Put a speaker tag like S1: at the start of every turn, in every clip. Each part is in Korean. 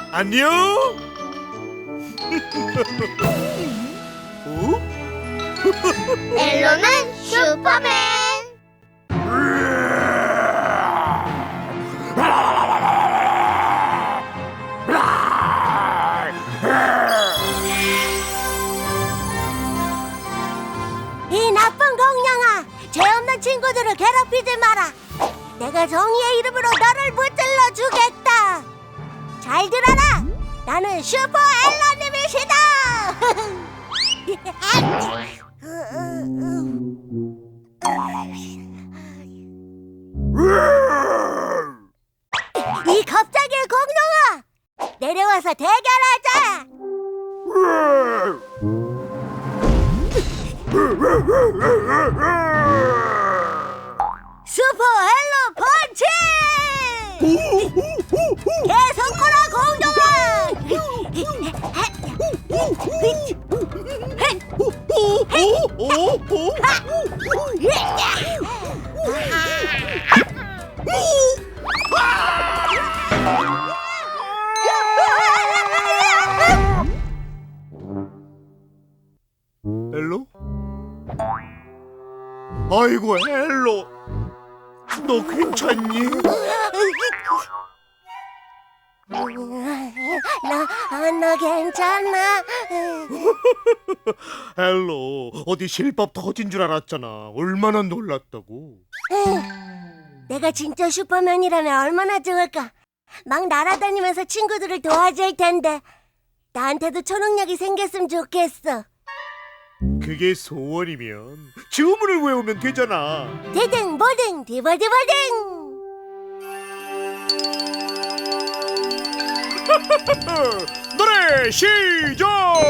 S1: 안녕. 어?
S2: 엘로는 슈퍼맨.
S3: 이 나쁜 공룡아, 죄 없는 친구들을 괴롭히지 마라. 내가 정의의 이름으로 너를 무찔러 주겠다. 잘 들어라. 나는 슈퍼 엘로님이시다. 이 겁쟁이 공룡아, 내려와서 대결하자. 슈퍼 헬로 펀치! 개성코라
S1: 헬로? 아이고 헬로, 너 괜찮니?
S3: 나 괜찮아.
S1: 헬로, 어디 실밥 터진 줄 알았잖아. 얼마나 놀랐다고.
S3: 내가 진짜 슈퍼맨이라면 얼마나 좋을까. 막 날아다니면서 친구들을 도와줄 텐데. 나한테도 초능력이 생겼으면 좋겠어.
S1: 그게 소원이면 주문을 외우면 되잖아.
S3: 디딩 보딩 디버디버딩.
S1: 노래 시작!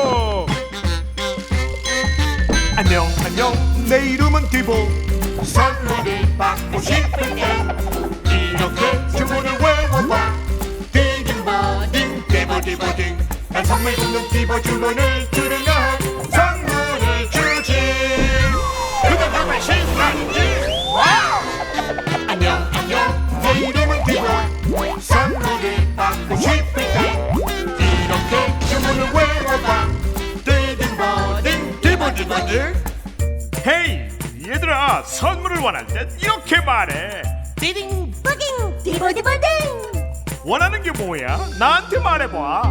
S1: 안녕 내 이름은 디보.
S4: 선물을 받고 싶을 때 이렇게 주문을 외워봐. 디딩버딩 디버디버딩. 난 선물 주는 디버 주문을 들으면 선물을 주지. 그건 정말 신나지. 와우. 안녕 내 이름은 디보. 선물을 받고 싶을 때 이렇게 주문을 외워봐. 디딩버딩 디버디버딩.
S1: 헤이 얘들아, 선물을 원할 땐 이렇게 말해.
S4: 디딩
S3: 보딩 디버디버딩.
S1: 원하는 게 뭐야? 나한테 말해봐.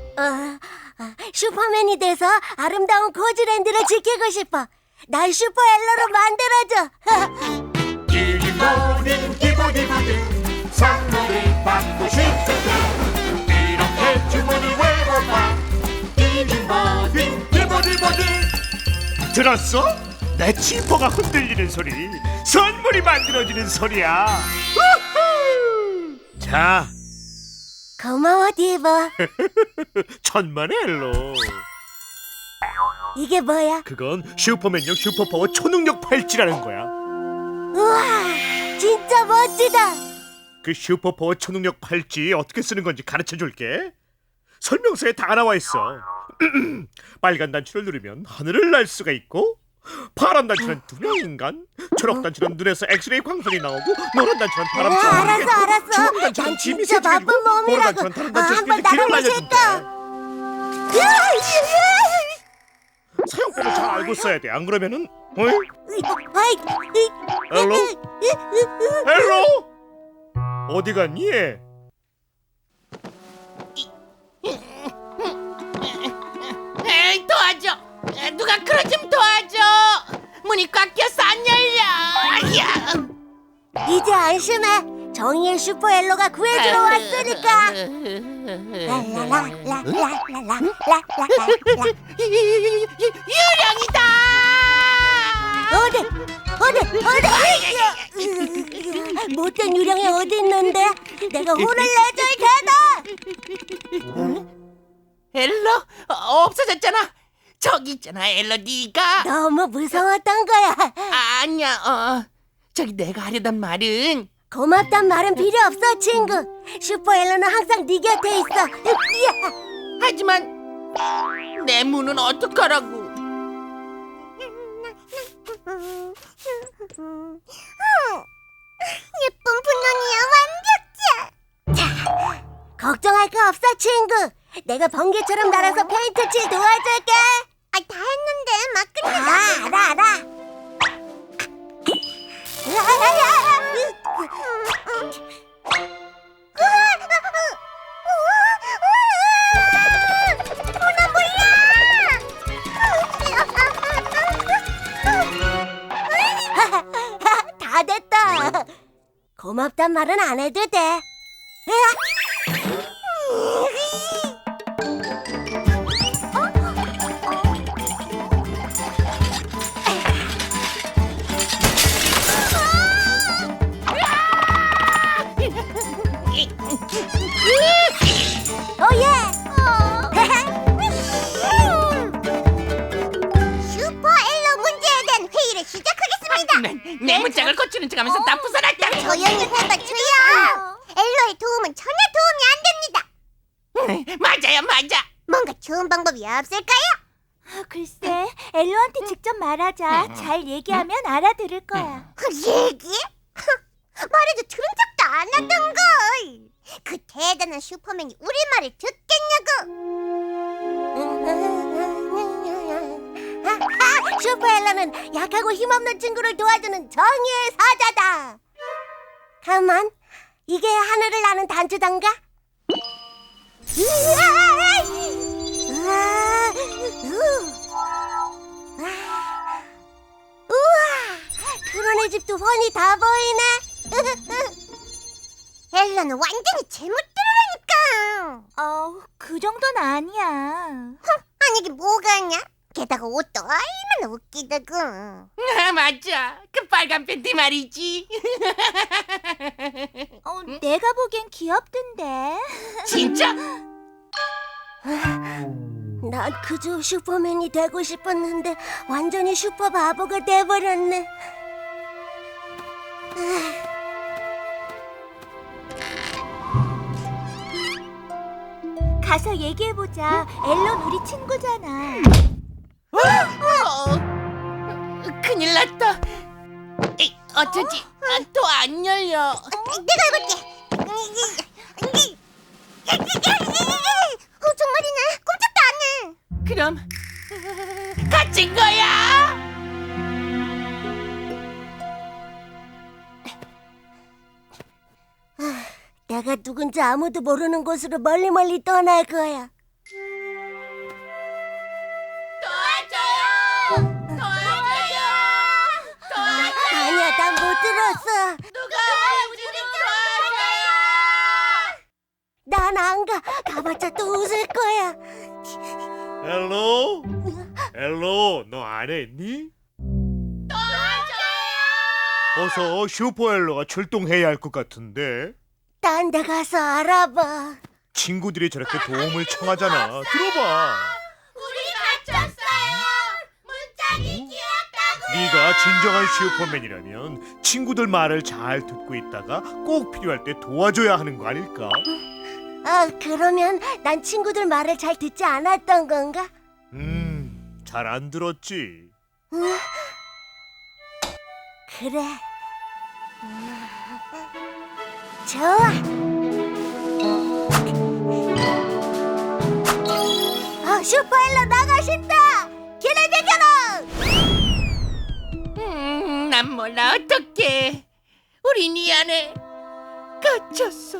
S3: 슈퍼맨이 돼서 아름다운 고즈랜드를 지키고 싶어. 날 슈퍼 엘로로 만들어줘.
S4: 디딩버딩 디버디버딩. 선물을 받고 싶을 때 이렇게 주문을 외워봐. 디딩버딩 디버디버딩.
S1: 들었어? 내 지퍼가 흔들리는 소리, 선물이 만들어지는 소리야. 우후! 자,
S3: 고마워 디버.
S1: 천만의 헬로.
S3: 이게 뭐야?
S1: 그건 슈퍼맨용 슈퍼파워 초능력 팔찌라는 거야.
S3: 우와, 진짜 멋지다.
S1: 그 슈퍼파워 초능력 팔찌 어떻게 쓰는 건지 가르쳐줄게. 설명서에 다 나와 있어. 빨간 단추를 누르면 하늘을 날 수가 있고, 파란 단추는 투명 인간, 초록 단추는 눈에서 엑스레이 광선이 나오고, 노란 단추는 바람처럼
S3: 알았어.
S1: 주황 단추는
S3: 난
S1: 힘이
S3: 진짜
S1: 세지고,
S3: 나쁜
S1: 노란
S3: 놈이라고.
S1: 단추는 다른 단추에서
S3: 한번
S1: 길을
S3: 날아보고
S1: 날려준대. 사용법을 잘 알고 써야 돼. 안 그러면은 헬로? 헬로? 어디 갔니?
S5: 에이, 도와줘. 누가 그것 좀 도와줘. 문이 꽉 껴서 안 열려. 야.
S3: 이제 안심해. 정의의 슈퍼 엘로가 구해주러 왔으니까. 랄랄랄랄랄랄랄랄랄랄.
S5: 유령이다.
S3: 어디? 못된 유령이 어디 있는데? 내가 혼을 내줄 테다.
S5: 엘로 없어졌잖아. 저기 있잖아, 엘로 네가.
S3: 너무 무서웠던 거야.
S5: 아니야. 저기 내가 하려던 말은
S3: 고맙단 말은 필요 없어, 친구. 슈퍼 엘로는 항상 네 곁에 있어.
S5: 하지만 내 문은 어떡하라고.
S3: 예쁜 분홍이야, 완벽해. 자, 걱정할 거 없어, 친구. 내가 번개처럼 날아서 페인트 칠 도와줄게. 다 했는데 막 끝내자. 알아. 나 몰라. 다 됐다. 고맙단 말은 안 해도 돼. 오예! 슈퍼 엘로 문제에 대한 회의를 시작하겠습니다.
S5: 내 문짝을 고치는 척하면서 다 부숴놨다.
S3: 조용히 해봐, 주야. 엘로의 도움은 전혀 도움이 안 됩니다.
S5: 맞아요, 맞아.
S3: 뭔가 좋은 방법이 없을까요?
S2: 글쎄, 엘로한테 직접 말하자. 잘 얘기하면 알아들을 거야.
S3: 얘기? 말해도 들은 적도 안 하던 걸. 그 대단한 슈퍼맨이 우리 말을 듣겠냐고. 슈퍼엘로는 약하고 힘없는 친구를 도와주는 정의의 사자다. 가만, 이게 하늘을 나는 단추단가? 우와, 그런 집도 훤히 다 보이네. 엘로는 완전히 제 멋대로라니까.
S2: 그 정도는 아니야.
S3: 아니 이게 뭐가 아냐? 게다가 옷도 얼마나 웃기다고.
S5: 맞아. 그 빨간 팬티 말이지.
S2: 내가 보기엔 귀엽던데.
S5: 진짜?
S3: 난 그저 슈퍼맨이 되고 싶었는데 완전히 슈퍼 바보가 돼버렸네.
S2: 가서 얘기해보자. 엘론 우리 친구잖아.
S5: 큰일 났다. 어쩌지? 또 안 열려.
S3: 내가 해볼게. 정말이네. 꼼짝도 안 해.
S5: 그럼 갇힌 거야?
S3: 내가 누군지 아무도 모르는 곳으로 멀리 떠날 거야.
S5: 도와줘요! 도와줘요! 도와줘요!
S3: 아니야, 난 못 들었어.
S5: 누가 우리를 도와줘요!
S3: 난 안 가. 가봤자 또 웃을 거야.
S1: 엘로? 엘로, 너 안 했니? 어서 슈퍼엘로가 출동해야 할 것 같은데.
S3: 딴 데 가서 알아봐.
S1: 친구들이 저렇게 도움을 청하잖아. 들어봐.
S5: 우리 갇혔어요! 문짝이 귀엽다고!
S1: 네가 진정한 슈퍼맨이라면 친구들 말을 잘 듣고 있다가 꼭 필요할 때 도와줘야 하는 거 아닐까?
S3: 그러면 난 친구들 말을 잘 듣지 않았던 건가?
S1: 잘 안 들었지.
S3: 그래. 좋아. 슈퍼엘로 나가신다. 길을 비켜라.
S5: 난 몰라 어떡해. 우린 이 안에 갇혔어.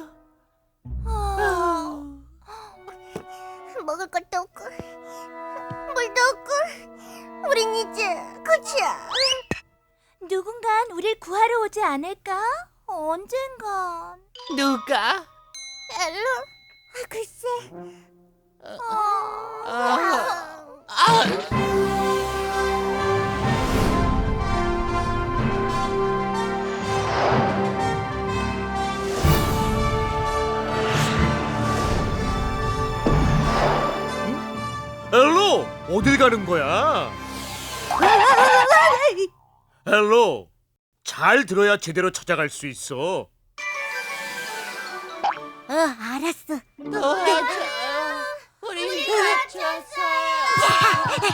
S3: 먹을 것도 없고 물도 없고 우린 이제 끝이야.
S2: 누군간 우릴 구하러 오지 않을까? 언젠간.
S5: 누가?
S3: 엘로? 글쎄.
S1: 엘로, 어딜 가는 거야? 엘로, 잘 들어야 제대로 찾아갈 수 있어.
S3: 알았어.
S5: 도와줘요. 우리 갇혔어요.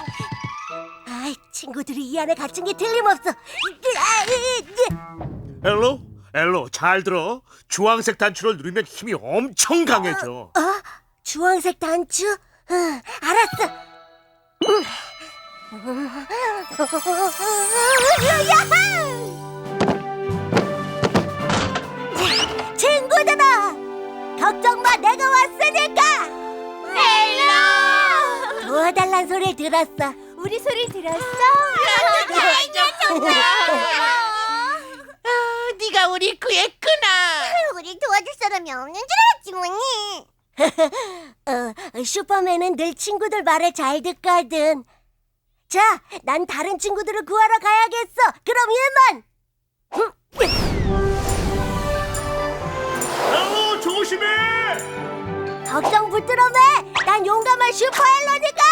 S3: 아이, 친구들이 이 안에 갇힌 게 틀림없어.
S1: 엘로, 엘로 잘 들어. 주황색 단추를 누르면 힘이 엄청 강해져.
S3: 주황색 단추? 알았어. 야호! 친구들아, 걱정 마, 내가 왔으니까.
S2: 헬로.
S3: 도와달란 소리 들었어.
S2: 우리 소리 들었어?
S3: 정말.
S5: 네가 우리 구했구나.
S3: 우리 도와줄 사람이 없는 줄 알았지 뭐니. 슈퍼맨은 늘 친구들 말을 잘 듣거든. 자, 난 다른 친구들을 구하러 가야겠어. 그럼 이만.
S1: 엘로 조심해.
S3: 걱정 붙들어 매. 난 용감한 슈퍼헬로니까.